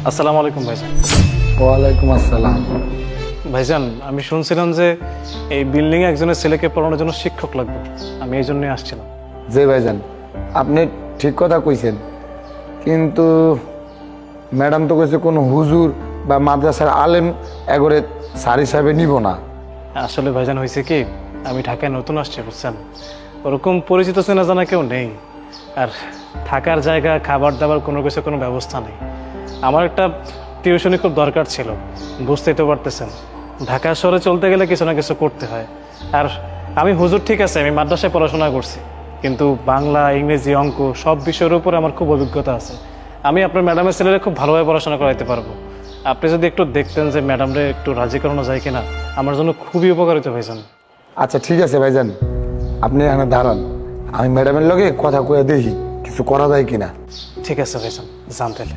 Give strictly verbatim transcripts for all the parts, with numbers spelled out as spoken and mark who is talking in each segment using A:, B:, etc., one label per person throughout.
A: আসসালামু আলাইকুম ভাইজান।
B: ওয়ালাইকুম আসসালাম।
A: ভাইজান, আমি শুনছিলাম যে এই বিল্ডিংয়ে একজনের ছেলেকে পড়ানোর জন্য শিক্ষক লাগবে, আমি এই জন্যই আসছিলাম।
B: জি ভাইজান, আপনি ঠিক কথা কইছেন, কিন্তু ম্যাডাম তো কইছে কোনো হুজুর বা মাদ্রাসার আলেম এগরে স্যার হিসাবে নিব না।
A: আসলে ভাইজান হয়েছে কি, আমি ঢাকায় নতুন আসছি বুঝছেন, ওরকম পরিচিত চেনা জানা কেউ নেই, আর থাকার জায়গা খাবার দাবার কোনো কিছু কোনো ব্যবস্থা নেই। আমার একটা টিউশনি খুব দরকার ছিল, বুঝতেই তো পারতেছেন ঢাকা শহরে চলতে গেলে কিছু না কিছু করতে হয়। আর আমি হুজুর ঠিক আছে, আমি মাদ্রাসায় পড়াশোনা করছি, কিন্তু বাংলা ইংরেজি অঙ্ক সব বিষয়ের উপরে আমার খুব অভিজ্ঞতা আছে। আমি আপনার ম্যাডামের ছেলেরা খুব ভালোভাবে পড়াশোনা করাইতে পারবো। আপনি যদি একটু দেখতেন যে ম্যাডামরে একটু রাজি করানো যায় কিনা, আমার জন্য খুবই উপকারিত ভাইজান।
B: আচ্ছা ঠিক আছে ভাইজান, আপনি এখানে দাঁড়ান, আমি ম্যাডামের লগে কথা কয়ে দেখি কিছু করা যায় কিনা।
A: ঠিক আছে ভাইজান, জানতেলে।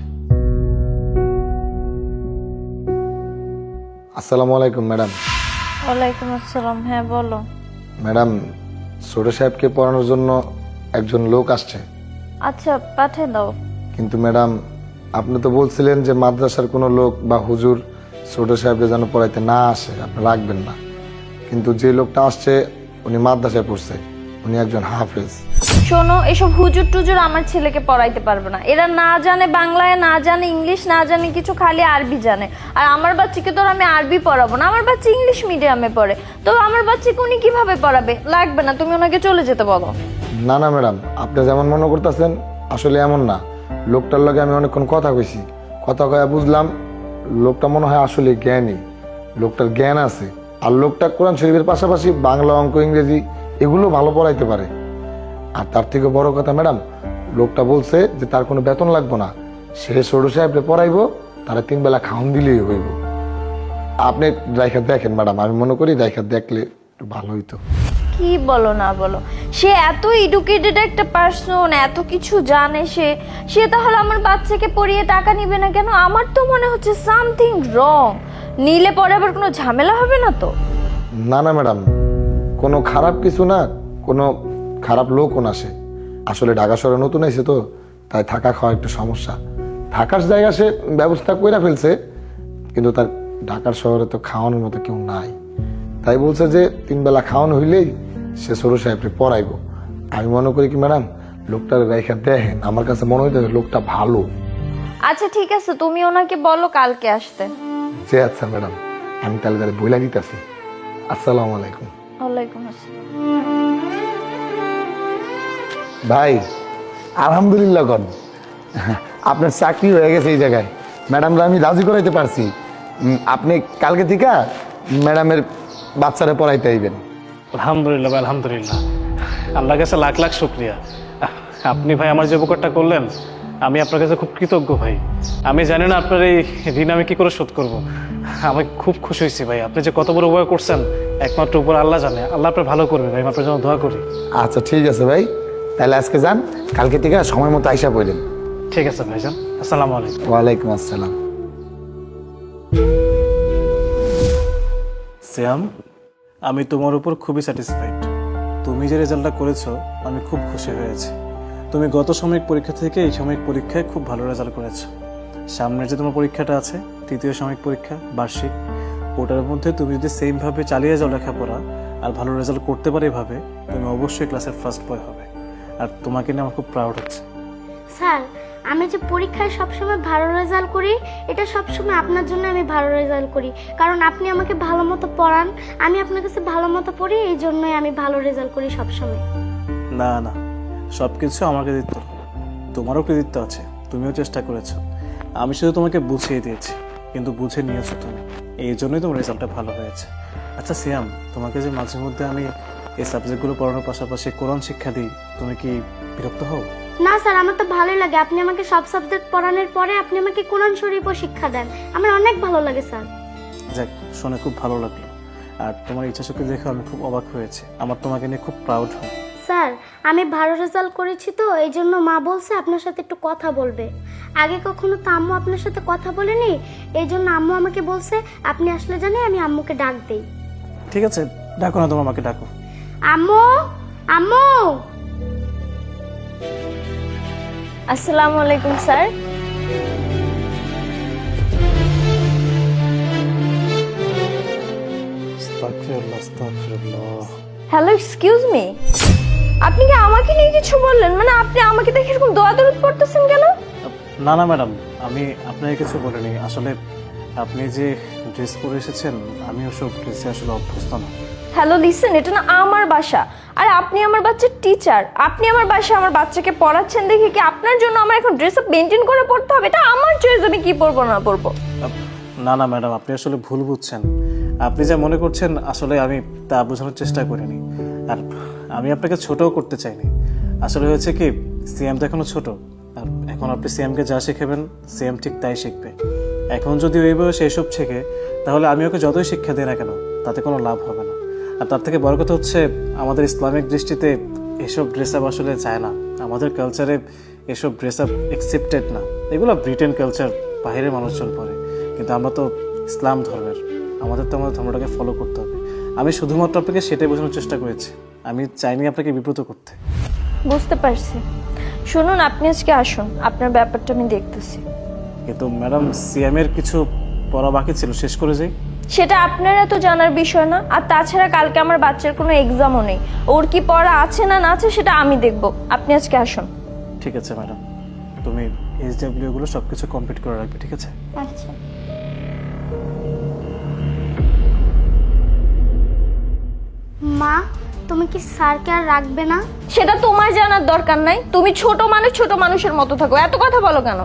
B: আসসালামু আলাইকুম ম্যাডাম।
C: ওয়ালাইকুম আসসালাম। হ্যাঁ বলো।
B: ম্যাডাম, ছোট সাহেবকে পড়ানোর জন্য একজন লোক আসছে।
C: আচ্ছা পাঠিয়ে দাও।
B: কিন্তু ম্যাডাম, আপনি তো বলছিলেন যে মাদ্রাসার কোনো লোক বা হুজুর ছোট সাহেবকে যেন পড়াইতে না আসে, আপনি রাখবেন না। কিন্তু যে লোকটা আসছে উনি মাদ্রাসায় পড়ছে, উনি একজন হাফেজ।
C: শোনো, এসব হুজুর টুজুর আমার ছেলেকে পড়াইতে পারবে না। এরা না জানে বাংলায়, না জানে ইংলিশ, না জানে কিছু, খালি আরবি জানে। আর আমার বাচ্চাকে তো আমি আরবি পড়াবো না, আমার বাচ্চা ইংলিশ মিডিয়ামে পড়ে, তো আমার বাচ্চাকে উনি কিভাবে পড়াবে? লাগবে না, তুমি ওনাকে চলে যেতে বলো।
B: না না ম্যাডাম, আপনি যেমন মনে করতেছেন আসলে এমন না। লোকটার লগে আমি অনেকক্ষণ কথা কইছি, কথা কয়ে বুঝলাম লোকটা মনে হয় আসলে জ্ঞানী, লোকটার জ্ঞান আছে। আর লোকটা কোরআন শরীফের পাশাপাশি বাংলা অঙ্ক ইংরেজি এগুলো ভালো পড়াইতে পারে। আর তার থেকে বড় কথা ম্যাডাম, লোকটা বলছে যে তার কোনো বেতন লাগবে না, সে ছোট সাহেবকে পড়াইবো, তারা তিন বেলা খাওন দিলেই হইব। আপনি রাইখা দেখেন ম্যাডাম, আমি মনে করি রাইখা দেখলে একটু ভালো হইতো।
C: কি বলো না বলো, সে এত এডুকেটেড একটা পার্সন, এত কিছু জানে সে সে তাহলে আমার বাচ্চাকে পড়িয়ে টাকা নিবে না কেন? আমার তো মনে হচ্ছে সামথিং রং। নিলে পরে আবার কোনো ঝামেলা হবে না তো?
B: না না ম্যাডাম, কোনো খারাপ কিছু না, কোনো খারাপ লোকও না সে। আসলে ঢাকা শহরে নতুন এসে তো, তাই থাকা খাওয়া একটু সমস্যা। থাকার জায়গা সে ব্যবস্থা করে ফেলছে, কিন্তু তার ঢাকার শহরে তো খাওয়ানোর মতো কেউ নাই। তাই বলছে যে তিন বেলা খাওয়ানো হইলেই সে সরু সাহেবকে পড়াইবো। আমি মনে করি কি ম্যাডাম, লোকটার রেখা দেখেন, আমার কাছে মনে হইতে লোকটা ভালো।
C: আচ্ছা ঠিক আছে, তুমি ওনাকে বলো কালকে আসতে।
B: যে আচ্ছা ম্যাডাম, আমি তাহলে তাহলে বইলা দিতেছি। আসসালামু আলাইকুম।
C: ওয়ালাইকুম আসসালাম।
B: ভাই আলহামদুলিল্লাহ কন, আপনার চাকরি হয়ে গেছে এই জায়গায়। ম্যাডামরা আমি রাজি করাইতে পারছি, উম, আপনি কালকে থেকে ম্যাডামের বাচ্চারা পড়াইতে আইবেন।
A: আলহামদুলিল্লাহ ভাই, আলহামদুলিল্লাহ, আল্লাহর কাছে লাখ লাখ শুক্রিয়া। আপনি ভাই আমার যে উপকারটা করলেন, আমি আপনার কাছে খুব কৃতজ্ঞ ভাই। আমি জানি না আপনার এই ঋণ আমি কি করে শোধ করব। আমি খুব খুশি হয়েছি ভাই, আপনি যে কত বড় উপকার করছেন একমাত্র উপর আল্লাহ জানে। আল্লাহ আপনার ভালো করবে ভাই, আপনার জন্য দোয়া করি।
B: আচ্ছা ঠিক আছে ভাই, তাহলে আজকে যান, কালকে থেকে সময় মতো আইসা পড়লেন।
A: ঠিক আছে ভাইজান, আসসালামু আলাইকুম।
B: ওয়ালাইকুম আসসালাম।
A: শ্যাম, আমি তোমার উপর খুবই স্যাটিসফাইড। তুমি যে রেজাল্টটা করেছো আমি খুব খুশি হয়েছি। তুমি গত সাময়িক পরীক্ষা থেকে এই সাময়িক পরীক্ষায় খুব ভালো রেজাল্ট করেছো। সামনের যে তোমার পরীক্ষাটা আছে, তৃতীয় সাময়িক পরীক্ষা বার্ষিক, ওটার মধ্যে তুমি যদি সেমভাবে চালিয়ে যাও লেখাপড়া আর ভালো রেজাল্ট করতে পারো এভাবে, তুমি অবশ্যই ক্লাসের ফার্স্ট বয় হবে। আর তোমাকে নিয়ে আমার খুব প্রাউড হচ্ছে।
D: স্যার, আমি যে পরীক্ষায় সবসময় ভালো রেজাল্ট করি, এটা সবসময় আপনার জন্য আমি ভালো রেজাল্ট করি, কারণ আপনি আমাকে ভালো মতো পড়ান, আমি আপনার কাছে ভালো মতো পড়ি, এই জন্যই আমি ভালো রেজাল্ট করি সবসময়।
A: না না, সব কিছু আমার কৃতিত্ব, তোমারও কৃতিত্ব আছে, তুমিও চেষ্টা করেছো। আমি শুধু তোমাকে বুঝিয়ে দিয়েছি, কিন্তু বুঝে নিয়েছো তুমি, এই জন্যই তোমার রেজাল্টটা ভালো হয়েছে। আচ্ছা সিয়াম, তোমাকে যে মাঝে মধ্যে আমি এই সাবজেক্টগুলো পড়ানোর পাশাপাশি কোরআন শিক্ষা দিই, তুমি কি বিরক্ত হও?
D: না স্যার, আমার তো ভালোই লাগে। আপনি আমাকে সব সাবজেক্ট পড়ানোর পরে আপনি আমাকে কোরআন শরীফও শিক্ষা দেন, আমার অনেক ভালো লাগে স্যার।
A: যাক, শুনে খুব ভালো লাগলো। আর তোমার ইচ্ছা শক্তি দেখে আমি খুব অবাক হয়েছে, আমার তোমাকে নিয়ে খুব প্রাউড হয়।
D: স্যার, আমি ভালো রেজাল্ট করেছি তো এই জন্য মা বলছে আপনার সাথে একটু কথা বলবে। আগে কখনো তো আম্মু আপনার সাথে কথা বলেনি, এই জন্য আম্মু আমাকে বলছে আপনি আসলে জানি আমি আম্মুকে ডাক দেই।
A: ঠিক আছে, ডাকো না, তোমার মাকে ডাকো।
D: আম্মু, আম্মু।
C: আসসালামু আলাইকুম স্যার। হ্যালো, এক্সকিউজ মি, আপনি কি আমাকে নিয়ে কিছু বললেন? মানে আপনি আমাকে দেখে এরকম দোয়া দরুদ পড়তেছেন কেন?
A: না না ম্যাডাম, আমি আপনাকে কিছু বলিনি। আসলে আপনি যে ড্রেস পরে এসেছেন, আমি ওসব ড্রেসে আসলে অভ্যস্ত না।
C: হ্যালো লিসেন, এটা না আমার বাসা, আর আপনি আমার বাচ্চার টিচার। আপনি আমার বাসায় আমার বাচ্চাকে পড়াচ্ছেন দেখে কি আপনার জন্য আমার এখন ড্রেস আপ মেনটেন করে পড়তে হবে? এটা আমার চয়েস, আমি কি পরবো না পরবো।
A: না না ম্যাডাম, আপনি আসলে ভুল বুঝছেন। আপনি যা মনে করছেন আসলে আমি তা বোঝানোর চেষ্টা করিনি। আর আমি আপনাকে ছোটও করতে চাইনি। আসলে হয়েছে কি, সিএম তো এখনো ছোট, আর এখন আপনি সিএমকে যা শেখাবেন সিএম ঠিক তাই শিখবে। এখন যদি ওই বয়সে এসব শেখে, তাহলে আমি ওকে যতই শিক্ষা দিই না কেন তাতে কোনো লাভ হবে না। আর তার থেকে বড় কথা হচ্ছে, আমাদের ইসলামিক দৃষ্টিতে এসব ড্রেস আপ আসলে যায় না। আমাদের কালচারে এসব ড্রেস আপ অ্যাকসেপ্টেড না। এগুলো ব্রিটেন কালচার, বাইরের মানুষজন পরে, কিন্তু আমরা তো ইসলাম ধর্মের, আমাদের তো আমাদের ধর্মটাকে ফলো করতে হবে। আমি শুধুমাত্র আপনাকে সেটাই বোঝানোর চেষ্টা করেছি, আমি চাইনি আপনাকে বিব্রত করতে।
C: বুঝতে পারছি। শুনুন, আপনি আজকে আসুন, আপনার ব্যাপারটা আমি দেখতেছি।
A: কিন্তু ম্যাডাম, সিএম এর কিছু পড়া বাকি ছিল, শেষ করে যাই।
C: সেটা আপনারা তো জানার বিষয় না। আর তাছাড়া কালকে আমার বাচ্চার কোনো এক্সামও নেই, ওর কি পড়া আছে না না আছে সেটা আমি দেখব। আপনি আজকে আসুন।
A: ঠিক আছে ম্যাডাম, তুমি এইচডব্লিউ গুলো সবকিছু কমপ্লিট করে রাখবে, ঠিক আছে?
D: আচ্ছা। মা, তুমি কি স্যারকে আর রাখবে না?
C: সেটা তোমার জানার দরকার নাই। তুমি ছোট মানুষ, ছোট মানুষের মতো থাকো। এত কথা বলো কেন?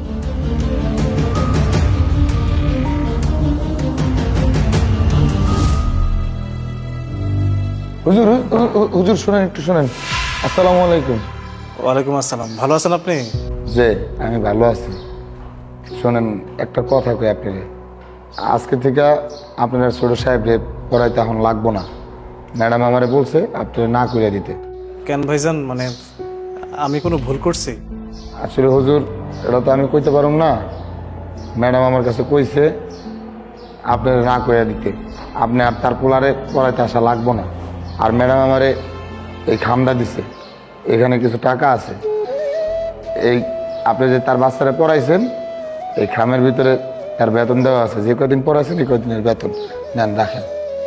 B: হুজুর হু- হু- হুজুর শুনেন, একটু শুনেন। আসসালামু আলাইকুম।
A: ওয়ালাইকুম আসসালাম। ভালো আছেন আপনি?
B: যে আমি ভালো আছি। শোনেন, একটা কথা কই আপনার, আজকে থেকে আপনার ছোট সাহেব রে পড়াইতে এখন লাগবো না। ম্যাডাম আমারে বলছে আপনি না করে দিতে।
A: কেন ভাইজান, মানে আমি কোনো ভুল করছি?
B: আসলে হুজুর, এটা তো আমি কইতে পারুম না। ম্যাডাম আমার কাছে কইছে আপনার না করে দিতে, আপনি আর তার পোলারে পড়াইতে আসা লাগবো না। আর ম্যাডাম আমারে এই খামটা দিছে, এখানে কিছু টাকা আছে। এই আপনি যে তার বাচ্চারা পড়াইছেন, এই খামের ভিতরে তার বেতন দেওয়া আছে। যে কদিন পড়াইছেন এই কদিনের বেতন নেন, রাখেন।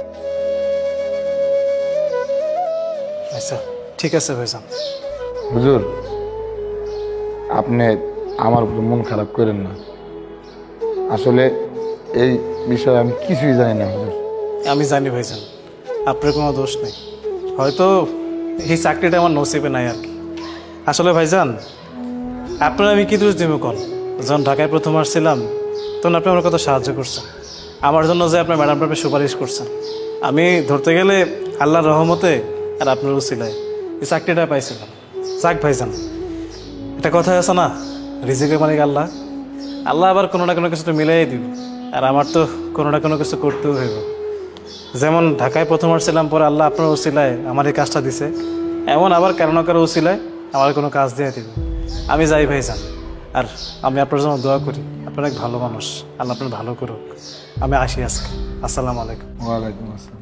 A: আচ্ছা ঠিক আছে ভাইজান।
B: হুজুর, আপনি আমার উপর মন খারাপ করেন না। আসলে এই বিষয়ে আমি কিছুই জানি না হুজুর।
A: আমি জানি ভাইজান, আপনার কোনো দোষ নেই। হয়তো এই চাকরিটা আমার নসিবে নাই আর কি। আসলে ভাইজান, আপনার আমি কি দোষ দিব কোন? যখন ঢাকায় প্রথম আসছিলাম তখন আপনি আমার কত সাহায্য করছেন, আমার জন্য যে আপনার ম্যাডামটা আপনি সুপারিশ করছেন। আমি ধরতে গেলে আল্লাহর রহমতে আর আপনার উসিলায় এই চাকরিটা পাইছিলাম। যাক ভাইজান, একটা কথা আছে না, রিজিকের মালিক আল্লাহ। আল্লাহ আবার কোনো না কোনো কিছু তো মিলাই দিবে, আর আমার তো কোনো না কোনো কিছু করতেও হইব। যেমন ঢাকায় প্রথম আসছিলাম, পরে আল্লাহ আপনার উসিলায় আমার এই কাজটা দিছে, এমন আবার কারো না কারো উসিলায় আমার কোনো কাজ দিয়ে দিবে। আমি যাই ভাইজান, আর আমি আপনার জন্য দোয়া করি। আপনার এক ভালো মানুষ, আল্লাহ আপনার ভালো করুক। আমি আসি আজকে। আসসালামু আলাইকুম।
B: ওয়ালাইকুম আসসালাম।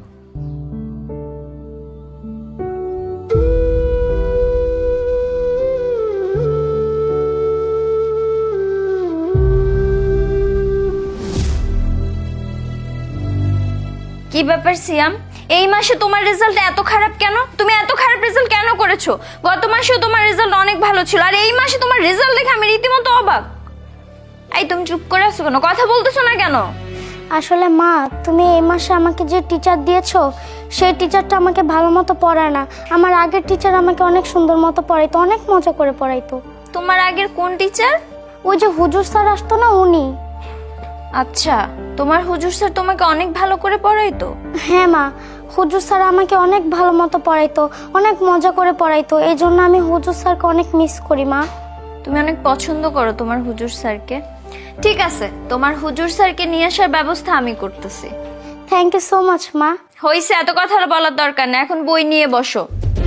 C: কি ব্যাপার সিয়াম, এই মাসে তোমার রেজাল্ট এত খারাপ কেন? তুমি এত খারাপ রেজাল্ট কেন করেছো? গত মাসেও তোমার রেজাল্ট অনেক ভালো ছিল, আর এই মাসে তোমার রেজাল্ট দেখে আমি রীতিমতো অবাক। এই তুমি চুপ করে আছো কেন? কথা বলতেছো না কেন?
D: আসলে মা, তুমি এই মাসে আমাকে যে টিচার দিয়েছো সেই টিচারটা আমাকে ভালো মতো পড়ায় না। আমার আগের টিচার আমাকে অনেক সুন্দর মতো পড়াইতো, অনেক মজা করে পড়াইতো।
C: তোমার আগের কোন টিচার?
D: ওই যে হুজুর স্যার আসতো না, উনি।
C: আচ্ছা, তোমার হুজুর স্যার তোমাকে অনেক ভালো করে পড়াইতো?
D: হ্যাঁ মা, হুজুর স্যার আমাকে অনেক ভালো মতো পড়াইতো, অনেক মজা করে পড়াইতো। এই জন্য আমি হুজুর স্যারকে অনেক মিস করি মা।
C: তুমি অনেক পছন্দ করো তোমার হুজুর স্যারকে। ঠিক আছে, তোমার হুজুর স্যারকে নিয়ে আসার ব্যবস্থা আমি করতেছি।
D: থ্যাংক ইউ সো মাচ মা।
C: হইছে, এত কথা আর বলার দরকার নেই, এখন বই নিয়ে বসো।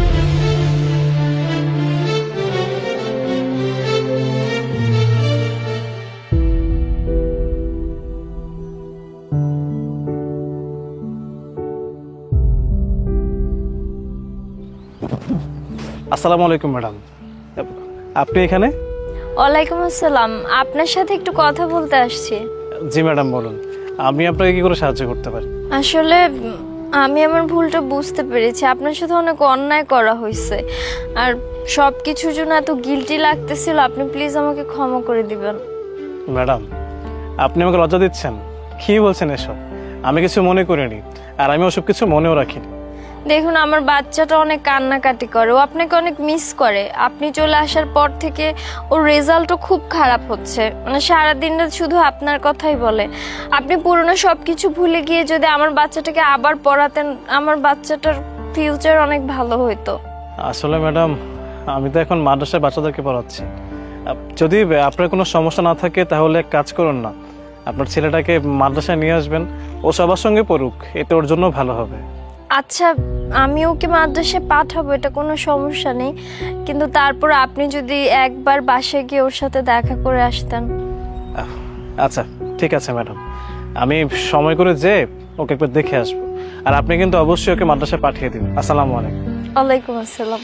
A: আসসালামু আলাইকুম ম্যাডাম, আপনি এখানে?
C: ওয়ালাইকুম আসসালাম, আপনার সাথে একটু কথা বলতে আসছি।
A: জি ম্যাডাম বলুন, আমি আপনাকে কি করে সাহায্য করতে পারি?
C: আসলে উম, আমি আমার ভুলটা বুঝতে পেরেছি, আপনার সাথে অনেক অন্যায় করা হয়েছে, আর সব কিছুর জন্য এত গিল্টি লাগতেছিল। আপনি প্লিজ আমাকে ক্ষমা করে দিবেন।
A: ম্যাডাম, আপনি আমাকে লজ্জা দিচ্ছেন? কি বলছেন এসব? আমি কিছু মনে করিনি, আর আমি ওসব কিছু মনেও রাখিনি।
C: দেখুন, আমার বাচ্চাটা অনেক কান্নাকাটি করে, ও আপনাকে অনেক মিস করে। আপনি চলে আসার পর থেকে ওর রেজাল্টও খুব খারাপ হচ্ছে, মানে সারাদিনটা শুধু আপনার কথাই বলে। আপনি পুরনো সব কিছু ভুলে গিয়ে যদি আমার বাচ্চাটাকে আবার পড়াতেন, আমার বাচ্চাটার ফিউচার অনেক ভালো হতো।
A: আসলে ম্যাডাম, আমি তো এখন মাদ্রাসায় বাচ্চাদেরকে পড়াচ্ছি। আপ- যদি আপনার কোনো সমস্যা না থাকে তাহলে এক কাজ করুন না, আপনার ছেলেটাকে মাদ্রাসায় নিয়ে আসবেন, ও সবার সঙ্গে পড়ুক, এতে ওর জন্য ভালো হবে।
C: আচ্ছা, আমি ওকে মাদ্রাসায় পাঠাবো, এটা কোনো সমস্যা নেই, কিন্তু তারপর আপনি যদি একবার বাসায় গিয়ে ওর সাথে দেখা করে আসতেন।
A: আহ, আচ্ছা ঠিক আছে ম্যাডাম, আমি সময় করে যেয়ে ওকে একবার দেখে আসবো। আর আপনি কিন্তু অবশ্যই ওকে মাদ্রাসায় পাঠিয়ে দিন। আসসালামু আলাইকুম।
C: ওয়ালাইকুম আসসালাম।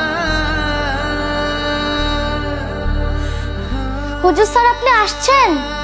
D: হুজুর স্যার, আপনি আসছেন?